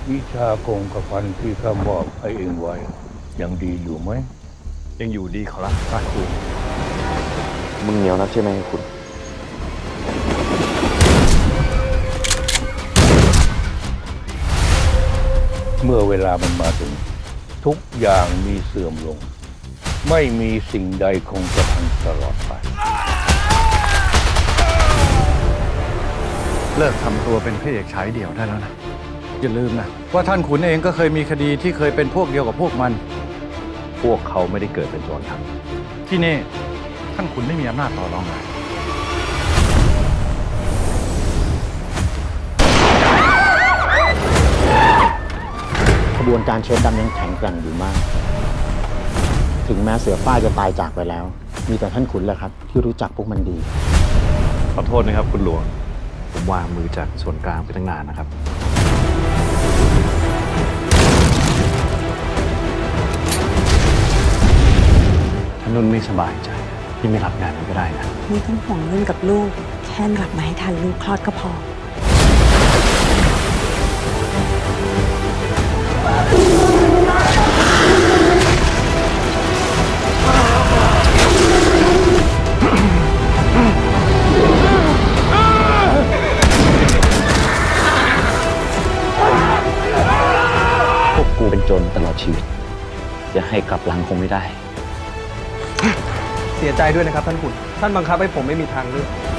วิชาคงกระพันที่ข้ามอบให้เองไว้ยังดีอยู่ไหมยังอยู่ดีขอรับพระครูมึงเหนียวนักใช่ไหมคุณเมื่อเวลามันมาถึงทุกอย่างมีเสื่อมลง ไม่มีสิ่งใดคงจะพันตลอดไปเลิกทำตัวเป็นพระเอกฉายเดี่ยวได้แล้วนะอย่าลืมนะว่าท่านขุนเองก็เคยมีคดีที่เคยเป็นพวกเดียวกับพวกมันพวกเขาไม่ได้เกิดเป็นโจรครับที่นี่ท่านขุนไม่มีอำนาจต่อรองเลยขบวนการเชิดดำยังแข็งแกร่งอยู่มาก ถึงแม้เสือฝ้ายจะตายจากไปแล้ว มีแต่ท่านขุนแหละครับ ที่รู้จักพวกมันดีขอโทษนะครับคุณหลวง ผมวางมือจากส่วนกลางไปตั้งนานนะครับถ้านุ่นไม่สบายใจที่ไม่รับงานมันก็ได้นะไม่ต้องห่วงนุ่นกับลูก แค่กลับมาให้ทันลูกคลอดก็พอพวกกูเป็นโจรตลอดชีวิต จะให้กลับหลังคงไม่ได้เสียใจด้วยนะครับท่านขุนท่านบังคับให้ผมไม่มีทางเลือก